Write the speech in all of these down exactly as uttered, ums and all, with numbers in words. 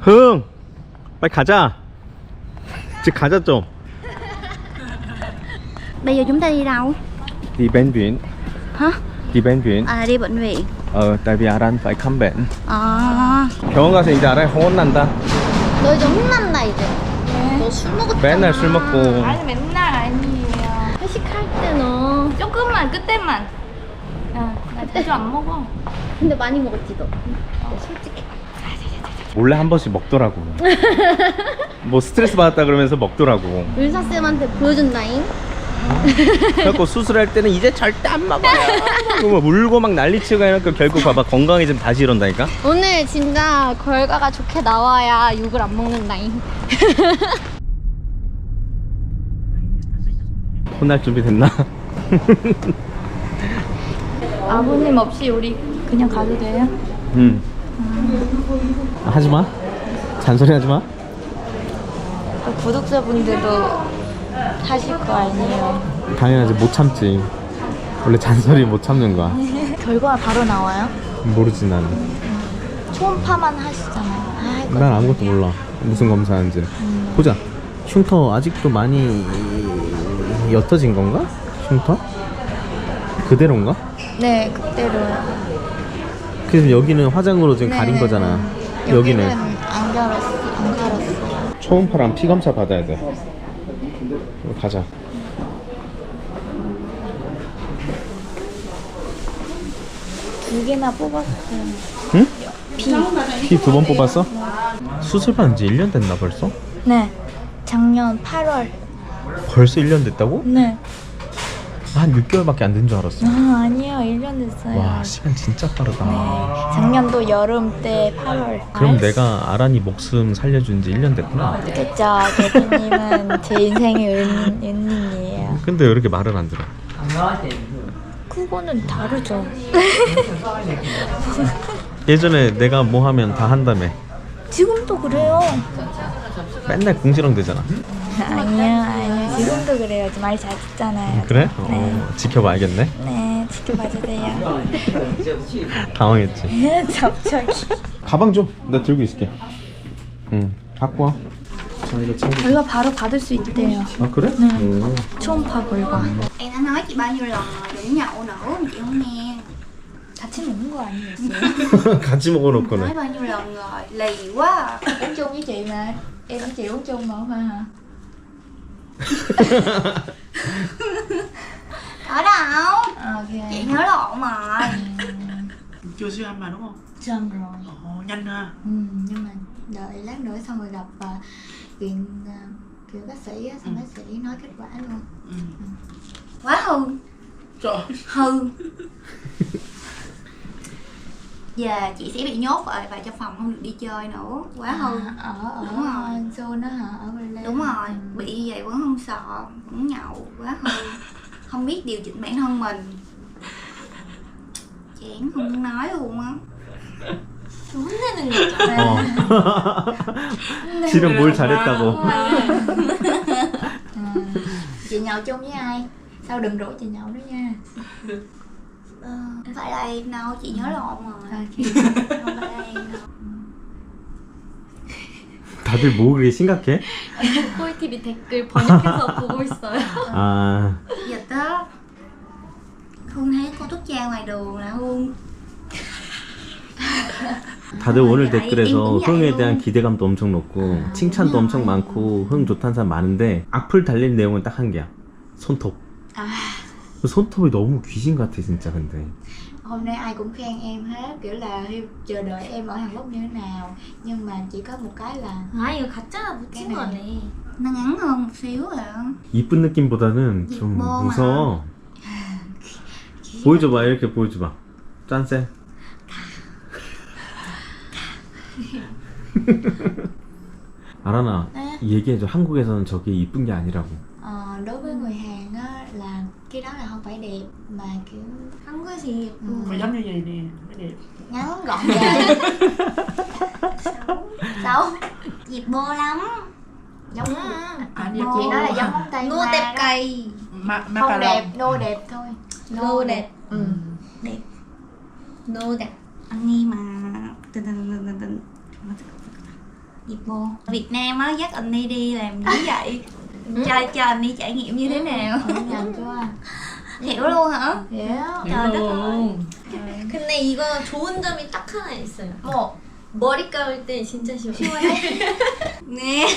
흥! 빨리 가자. 이제 가자 좀. Bây giờ chúng ta đi đâu? Đi bệnh viện. Hả? Đi bệnh viện. À đi bệnh viện. Ờ, tại vì Aran phải khám bệnh. 아. 병원 가서 이제 Aran 혼난다. 너 이제 혼난다 이제. 너 술 먹었잖아. 맨날 술 먹고. 아니 맨날 아니에요. 회식할 때 너. 조금만 그때만. 야, 나 자주 안 먹어. 근데 많이 먹었지 너. 어, 솔직히. 몰래 한 번씩 먹더라고. 뭐 스트레스 받았다 그러면서 먹더라고. 의사쌤한테 보여준다잉. 그래갖고 수술할 때는 이제 절대 안 먹어요. 그거 울고 막 난리치고 해놓고 결국 봐봐 건강해지면 다시 이런다니까. 오늘 진짜 결과가 좋게 나와야 욕을 안 먹는다잉. 혼날 준비 됐나? 아버님 없이 우리 그냥 가도 돼요? 응. 아, 하지마. 잔소리 하지마. 또 구독자분들도 하실 거 아니에요? 당연하지. 못 참지. 원래 잔소리 못 참는 거야. 결과 바로 나와요? 모르지 나는. 초음파만 하시잖아요. 아, 난 아무것도 몰라. 무슨 검사하는지. 음. 보자. 흉터 아직도 많이 옅어진 건가? 흉터? 그대로인가? 네, 그대로요. 그래서 여기는 화장으로 지금 네, 가린 네, 거잖아. 네. 여기는 안 갈았어, 안 갈았어. 초음파랑 피 검사 받아야 돼. 가자. 두 개나 뽑았어요. 응? 피. 피 두 번 뽑았어? 수술 받은 지 일 년 됐나 벌써? 네, 작년 팔월. 벌써 일 년 됐다고? 네. 한 육 개월밖에 안 된 줄 알았어. 아, 아니요, 일 년 됐어요. 와, 시간 진짜 빠르다. 네, 작년도 여름 때 팔월. 그럼 아, 내가 아란이 목숨 살려준 지 일 년 됐구나. 그쵸, 대표님은 제 인생의 은, 은인이에요. 근데 왜 이렇게 말을 안 들어? 그거는 다르죠. 예전에 내가 뭐 하면 다 한다며. 지금도 그래요. 맨날 궁시렁 대잖아. 아니요, 아니요. 지금도 그래요. 많이 잘 듣잖아요. 그래? 네. 어, 지켜봐야겠네. 네, 지켜봐주세요. 당황했지. 갑자기. 가방 좀. 내가 들고 있을게. 응. 갖고 와. 자, 이거 챙겨. 결과 바로 받을 수 있대요. 아, 그래? 네. 오. 초음파 결과. Em đã nói chị bao nhiêu lần rồi đừng nhậu nữa mà chị không nghe. 같이 먹는 거 아니었어요? 같이 Nói 먹어놓고는. bao nhiêu lần rồi, lì quá. uống chung với chị mà. Em với chị uống chung mà không phải hả? Ở đâu? Ok. Chị nhớ lộn rồi. Chưa siêu âm mà đúng không? Siêu âm rồi. Ồ, nhanh ha. Ừ, nhưng mà đợi lát nữa xong rồi gặp uh, viện uh, kiểu bác sĩ á, xong Ừ. bác sĩ nói kết quả luôn. Ừ. Quá hư. Trời. Hư. Giờ chị sẽ bị nhốt ở vào trong phòng không được đi chơi nữa. Quá hư. À, ở ở Đúng rồi. Seoul đó hả? Ở Berlin. Đúng rồi, Ừ. bị như vậy vẫn không sợ, vẫn nhậu, quá hư. Không biết điều chỉnh bản thân mình. Chán không muốn nói luôn á. 혼내는 거잖아. 어. 지금 뭘 잘했다고. Ừ. Chị nhậu chung với ai? Sao đừng rủ chị nhậu nữa nha. Ờ, không phải là em đâu, chị nhớ lộn rồi. Ok. Không phải là em đâu. 다들 뭐 그게 심각해? 코이티비 댓글 번역해서 보고 있어요. 아. Dịch á. Hương thấy cô Túc Cha ngoài đường là Hương. 다들 오늘 아니, 댓글에서 아니, 흥에 아니, 대한 아니. 기대감도 엄청 높고 칭찬도 엄청 많고 흥 좋다는 사람 많은데 악플 달릴 내용은 딱 한 개야. 손톱. À, 그 손톱이 너무 귀신 같아 진짜 근데. hôm nay ai cũng khen em hết, kiểu là chờ đợi em ở Hàn Quốc như thế nào. Nhưng mà chỉ có một cái là 아 이거 가짜가 cái 묻힌 này. 거네. nó ngắn hơn một xíu rồi á. 이쁜 느낌보다는 좀 이뻐, 무서워. 보여줘봐 이렇게 보여줘봐. 짠쌤. 아라나 네? 얘기해줘. 한국에서는 저게 이쁜 게 아니라고. ờ, đối với người Hàn á là cái đó là không phải đẹp mà kiểu Không có gì đẹp luôn. Mà giống như vậy nè, mới đẹp. Ngắn gọn gàng. Xấu. Xấu. Dịp bô lắm. Giống À, Dịp dịp bô. chị nói là giống móng tay Ngô hoa tép đó. cây. Ma, ma Không cà đẹp, rồng. nô đẹp thôi. Nô đẹp. Ừ. Đẹp. Nô đẹp. Anh nghe mà. Tình tình tình tình tình. Dịp mô Việt Nam á, dắt anh đi đi làm như vậy. Cho, cho anh đi trải nghiệm như thế nào. nhận cho anh. Hiểu luôn hả? Hiểu. Trời đất ơi. 근데 이거 좋은 점이 딱 하나 있어요. 뭐 머리 감을 때 진짜 시원해. Nghe.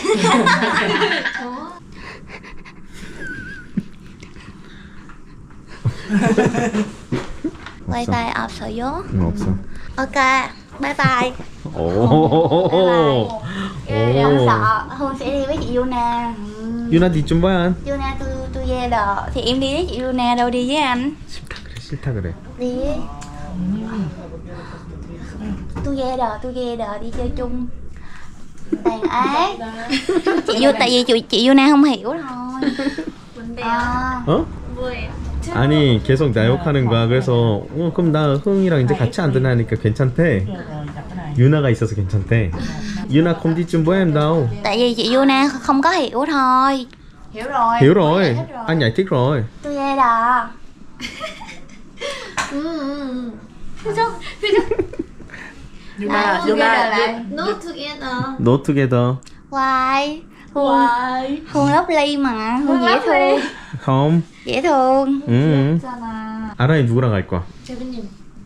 Wifi 없어요? 응, 없어. Ok, bye bye. 오. Em sợ Hương sẽ đi với chị Yuna. 유나 뒤좀 봐야 한. Yuna tôi tôi về đò thì em đi với chị Yuna đâu đi với anh. 싫다 그래 싫다 그래. Đi với. Tôi về đò tôi về đò đi chơi chung. Tàn ác. Chị Yu tại vì chị, chị Yuna không hiểu thôi. 뭔데요? À, 어? 뭐예요? 아니 계속 나 욕하는 거야. 그래서 어, 그럼 나 흥이랑 이제 같이 안 되나니까 괜찮대. Rồi, rồi, đặt cái này. 유나가 있어서 괜찮대. 유나 không đi chung với em đâu. tại vì chị Yuna không có hiểu thôi. Hiểu rồi. hiểu Giải rồi. thích rồi. anh giải thích rồi. Tôi về đò. 음, 음. Yuna, together Yuna, lại. Yuna. No together. No together. Why? Hương, Why? Hương lovely mà, Hương dễ thương. không. Dễ thương. 응. Sana. 아라이 누구랑 갈 거야? 재빈님.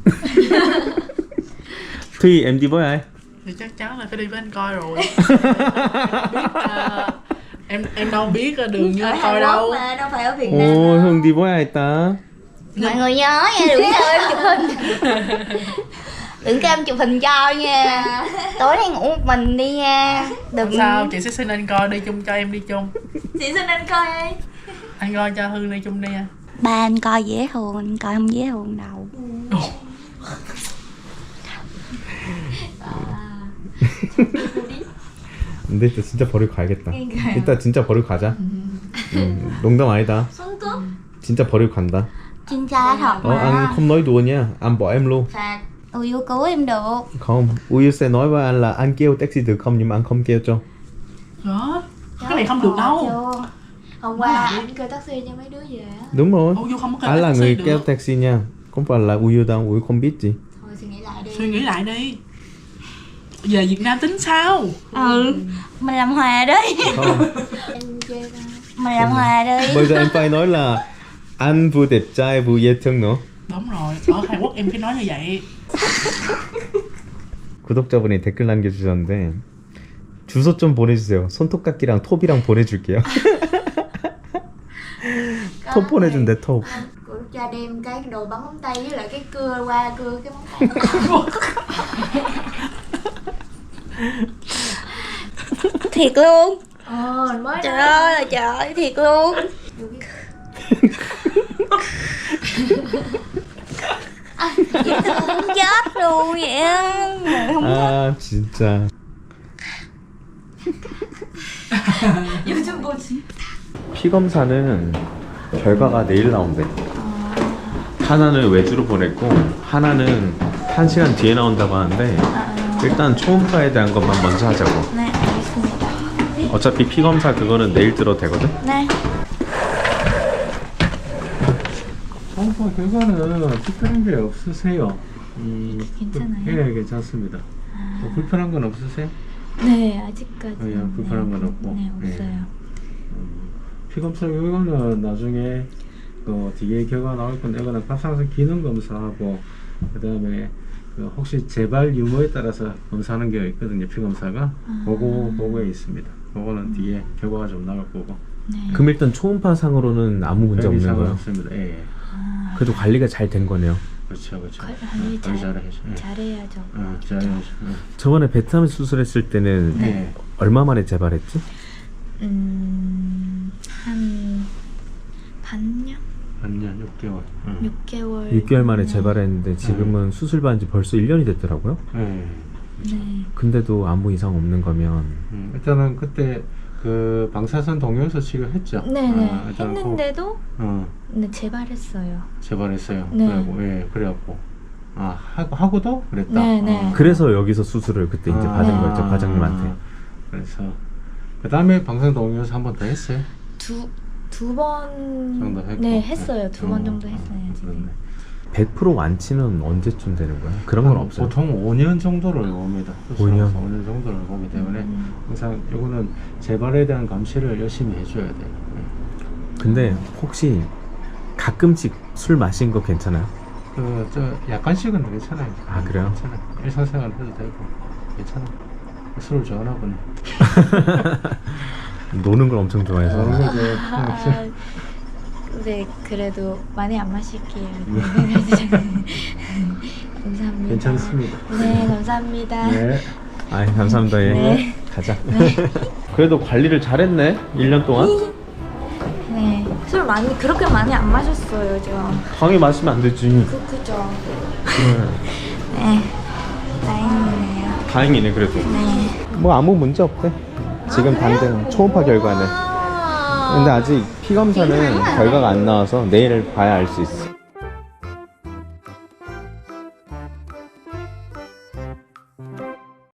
Thuy em đi với ai? Thì chắc chắn là phải đi với anh coi rồi. Biết, à, em em đâu biết à, đường như anh coi đâu. Mà đâu phải ở Việt Nam. 오, 형 đi với ai ta? Mọi người nhớ nha, đừng cho em chụp hình. Đừng cho em chụp hình cho nha. Tối nay ngủ một mình đi nha. Đừng. Không sao, chị sẽ xin anh coi đi chung cho em đi chung. Chị xin anh coi đi. Anh coi cho Hương đi chung đi anh. Ba anh coi dễ thương, anh coi không dễ thương đâu. 근데 이따 진짜 버리고 가야겠다. 이따 진짜 버리고 가자. 응, 농담 아니다. 손톱? 진짜 버리고 간다. 진짜 thật Ờ, anh mà. không nói đùa nha, anh bỏ em luôn. Phạt. Uyu cứu em được. Không, Uyu sẽ nói với anh là anh kêu taxi được không, nhưng mà anh không kêu cho. Đó, cái này không được đâu. Chưa. Hôm qua anh kêu taxi cho mấy đứa về á. Đúng rồi. Uyu không có Anh là taxi người được. kêu taxi nha, không phải là Uyu đâu, Uyu không biết gì. Thôi suy nghĩ lại đi. Suy nghĩ lại đi. Về Việt Nam tính sao? Ừ. Mình làm hòa đi. Không. Em chê ra. Mình làm hòa đi. Bây giờ em phải nói là anh vừa đẹp trai vừa dễ thương nữa. Đúng rồi, ở Hàn Quốc em phải nói như vậy. 구독자분이 댓글 남겨주셨는데 주소 좀 보내주세요. 손톱깎이랑 톱이랑 보내줄게요. 톱 보내준대 톱. Của cha đem cái đồ bắn móng tay với lại cái cưa qua cưa cái móng tay. Thiệt luôn. Ờ mới Trời đó. ơi là trời, thiệt luôn. Dễ thương chết luôn vậy á. Không 아 진짜. 요즘 뭐지? 피 검사는 결과가 내일 나온대. 하나는 외주로 보냈고 하나는 한 시간 뒤에 나온다고 하는데 일단 초음파에 대한 것만 먼저 하자고. 네, 알겠습니다. 어차피 피 검사 그거는 내일 들어도 되거든. 네. 초음파 결과는 특별한 게 없으세요. 음, 괜찮아요? 예, 괜찮습니다. 뭐 불편한 건 없으세요? 네 아직까지. 어, 예, 불편한 건 없고. 네 예. 없어요. 음, 피검사 결과는 나중에 그 뒤에 결과 나올 건데 이거는 갑상선 기능 검사하고 그 다음에 그 혹시 재발 유무에 따라서 검사하는 게 있거든요. 피검사가 그거 그거에 있습니다. 그거는 뒤에 결과가 좀 나올 거고. 그럼 일단 초음파 상으로는 아무 문제 별 없는 이상은 거예요. 없습니다. 예, 예. 그래도 관리가 잘 된 거네요. 그렇죠, 그렇죠. 관리 어, 관리 잘- 잘해야죠. 예. 잘해야죠. 어, 잘해야죠. 저번에 베트남 수술했을 때는 예. 예. 얼마 만에 재발했지? 음, 한 반년? 반년 육 개월. 응. 육 개월. 육 개월 만에 재발했는데 지금은 수술 받은 지 벌써 일 년이 됐더라고요. 네. 네. 근데도 아무 이상 없는 거면 음, 일단은 그때 그 방사선 동요소 치료했죠. 네네. 어, 일단은 했는데도 그, 어, 네, 재발했어요. 재발했어요. 네. 그래고 예, 그래갖고 아 하고 하고도 그랬다. 네, 네. 그래서 그래서 여기서 수술을 그때 이제 아, 받은 네. 거였죠, 과장님한테. 그래서 그 다음에 방사선 동요소 한 번 더 했어요. 두 두 번 정도 했고. 네, 했어요. 두 번 어, 정도 했어요. 어, 지금. 그렇네. 백 퍼센트 완치는 언제쯤 되는 거야? 그런 건 없어요? 보통 오 년 정도를 봅니다. 오 년? 오 년 정도를 보기 때문에 항상 이거는 재발에 대한 감시를 열심히 해줘야 돼요. 근데 혹시 가끔씩 술 마신 거 괜찮아요? 그 저 약간씩은 괜찮아요. 아, 그래요? 괜찮아요. 일상생활 해도 되고 괜찮아. 술을 좋아하나 보네. 노는 걸 엄청 좋아해서. 그런 거죠. 아, 네, 그래도 많이 안 마실게요. 네. 감사합니다. 괜찮습니다. 네, 감사합니다. 네. 아이, 감사합니다. 예. 네. 가자. 그래도 관리를 잘했네. 일 년 동안. 네, 술 많이 그렇게 많이 안 마셨어요, 저. 강의 마시면 안 되지. 그 그죠. 그래. 네, 다행이네요. 다행이네 그래도. 네. 뭐 아무 문제 없대. 지금 당장 초음파 결과는. 근데 아직 피 검사는 결과가 안 나와서 내일 봐야 알 수 있어.